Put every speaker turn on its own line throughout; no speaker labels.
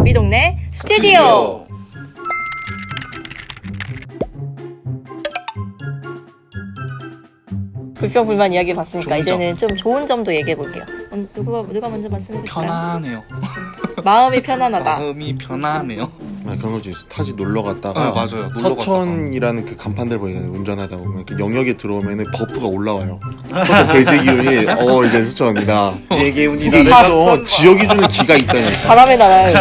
우리 동네 스튜디오. 불평불만 이야기 봤으니까 이제는 좀 좋은 점도 얘기해 볼게요. 누가 먼저 말씀해 주실까요?
편안해요.
마음이 편안하다.
마음이 편안해요.
그런 거지. 타지 놀러 갔다가
맞아요.
서천이라는 그 간판들 보이잖아요. 운전하다 보면 그 영역에 들어오면은 버프가 올라와요. 서천 대제 기운이 이제 서천이다.
대기운이다.
이게 있어. 지역이 주는 기가 있다니까.
바람의 나라예요.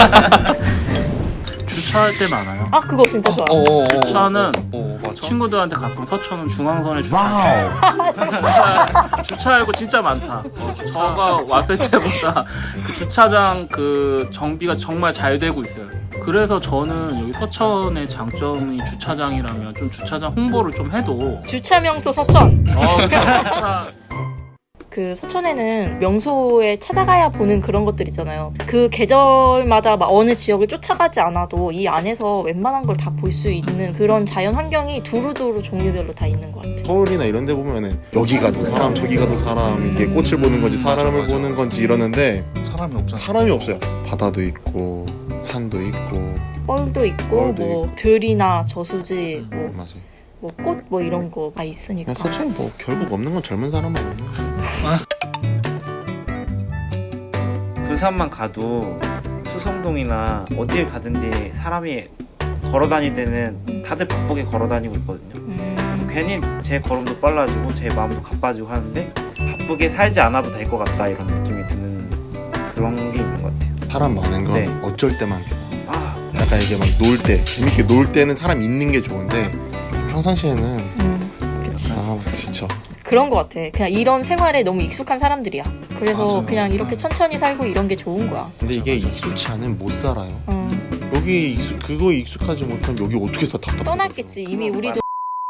주차할 때 많아요.
아 그거 진짜 좋아.
주차는
맞아.
친구들한테 가끔 서천은 중앙선에 주차할 거 진짜 많다. 저가 왔을 때보다 그 주차장 그 정비가 정말 잘 되고 있어요. 그래서 저는 여기 서천의 장점이 주차장이라면 좀 주차장 홍보를 좀 해도
주차 명소 서천.
주차
그 서천에는 명소에 찾아가야 보는 그런 것들 있잖아요. 그 계절마다 막 어느 지역을 쫓아가지 않아도 이 안에서 웬만한 걸 다 볼 수 있는 그런 자연 환경이 두루두루 종류별로 다 있는 것 같아요.
서울이나 이런 데 보면은 여기 가도 사람 저기 가도 사람 이게 꽃을 보는 건지 사람을
맞아.
보는 건지 이러는데
사람이 없잖아.
사람이 없어요. 바다도 있고 산도 있고
뻘도 있고
뻘도
뭐 들이나 저수지
맞아요.
뭐 꽃 뭐 이런 거 다 있으니까.
그냥 서천이 뭐 결국 없는 건 젊은 사람만 없는
그 산만 가도 수성동이나 어딜 가든지 사람이 걸어 다닐 때는 다들 바쁘게 걸어 다니고 있거든요. 괜히 제 걸음도 빨라지고 제 마음도 가빠지고 하는데 바쁘게 살지 않아도 될 것 같다 이런 느낌이 드는 그런 게 있는 것 같아요.
사람 많은 건
네.
어쩔 때만 좋아.
아,
약간 이게 막 놀 때 재밌게 놀 때는 사람 있는 게 좋은데 평상시에는
그치.
지쳐.
그런 것 같아. 그냥 이런 생활에 너무 익숙한 사람들이야. 그래서
맞아요.
그냥 이렇게 천천히 살고 이런 게 좋은 거야.
근데 이게 익숙치 않으면 못 살아요.
음,
여기 그거 익숙하지 못하면 여기 어떻게 다 답답해.
떠났겠지. 이미 우리도.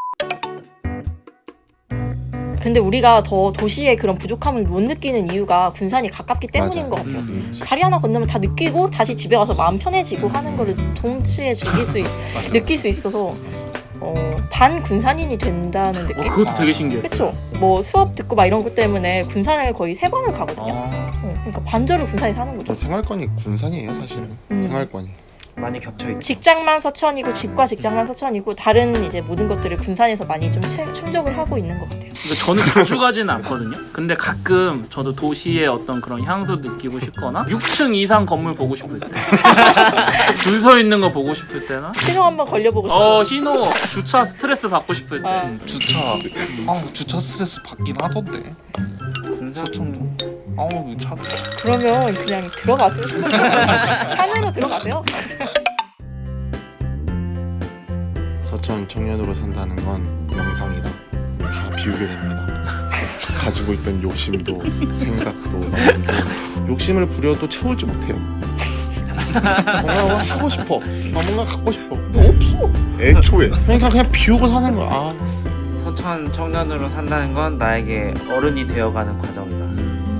근데 우리가 더 도시의 그런 부족함을 못 느끼는 이유가 군산이 가깝기 때문인
맞아.
것 같아요.
그렇지.
다리 하나 건너면 다 느끼고 다시 집에 가서 마음 편해지고 하는 거를 동시에 느낄 수 있어서 반 군산인이 된다는 느낌?
그것도 되게 신기했어요.
그쵸? 뭐 수업 듣고 막 이런 것 때문에 군산을 거의 3번을 가거든요. 그러니까 반절을 군산에 사는 거죠.
생활권이 군산이에요 사실은. 생활권이.
많이 겹쳐있죠.
직장만 서천이고 집과 직장만 서천이고 다른 이제 모든 것들을 군산에서 많이 좀 충족을 하고 있는 것 같아요.
근데 저는 자주 가지는 않거든요. 근데 가끔 저도 도시의 어떤 그런 향수 느끼고 싶거나 6층 이상 건물 보고 싶을 때 줄 서 있는 거 보고 싶을 때나
신호 한번 걸려보고 싶어요.
신호 주차 스트레스 받고 싶을 때
주차 스트레스 받긴 하던데. 서천도 차
그러면 그냥 들어가세요. 산으로 들어가세요.
서천 청년으로 산다는 건 명상이다. 다 비우게 됩니다. 가지고 있던 욕심도 생각도 마음도 욕심을 부려도 채우지 못해요. 뭔가 하고 싶어. 뭔가 갖고 싶어. 근데 없어. 애초에. 그냥 비우고 사는 거야.
서천 청년으로 산다는 건 나에게 어른이 되어가는 과정이다.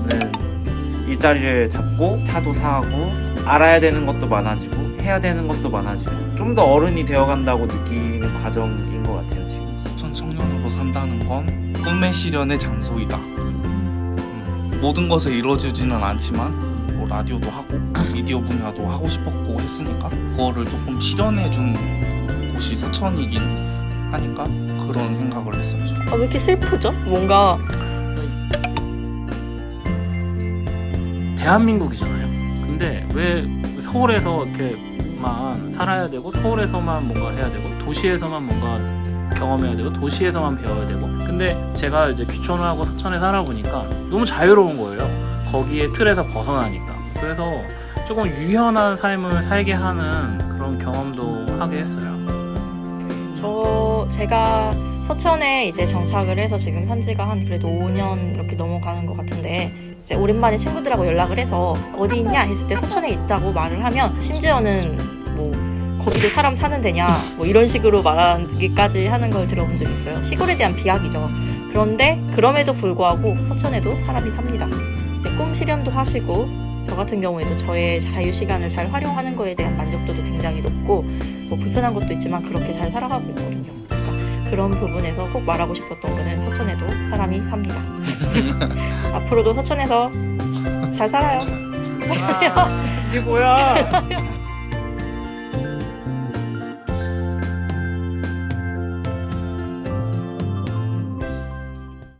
일자리를 잡고 차도 사고 알아야 되는 것도 많아지고 해야 되는 것도 많아지고 좀 더 어른이 되어간다고 느끼는 과정인 것 같아요 지금.
서천 청년으로 산다는 건 꿈의 실현의 장소이다. 모든 것을 이뤄주지는 않지만 뭐 라디오도 하고 미디어 분야도 하고 싶었고 했으니까 그거를 조금 실현해준 곳이 서천이긴 하니까 그런 생각을 했어요.
왜 이렇게 슬프죠? 뭔가
대한민국이잖아요. 근데 왜 서울에서 이렇게만 살아야 되고 서울에서만 뭔가 해야 되고 도시에서만 뭔가 경험해야 되고 도시에서만 배워야 되고 근데 제가 이제 귀촌을 하고 서천에 살아보니까 너무 자유로운 거예요. 거기에 틀에서 벗어나니까. 그래서 조금 유연한 삶을 살게 하는 그런 경험도 하게 했어요.
제가 서천에 이제 정착을 해서 지금 산 지가 한 그래도 5년 이렇게 넘어가는 것 같은데 이제 오랜만에 친구들하고 연락을 해서 어디 있냐 했을 때 서천에 있다고 말을 하면 심지어는 뭐 거기도 사람 사는 데냐 뭐 이런 식으로 말하기까지 하는 걸 들어본 적이 있어요. 시골에 대한 비약이죠. 그런데 그럼에도 불구하고 서천에도 사람이 삽니다. 이제 꿈 실현도 하시고 저 같은 경우에도 저의 자유 시간을 잘 활용하는 거에 대한 만족도도 굉장히 높고 뭐 불편한 것도 있지만 그렇게 잘 살아가고 있거든요. 그러니까 그런 부분에서 꼭 말하고 싶었던 거는 서천에도 사람이 삽니다. 앞으로도 서천에서 잘 살아요.
이게 뭐야?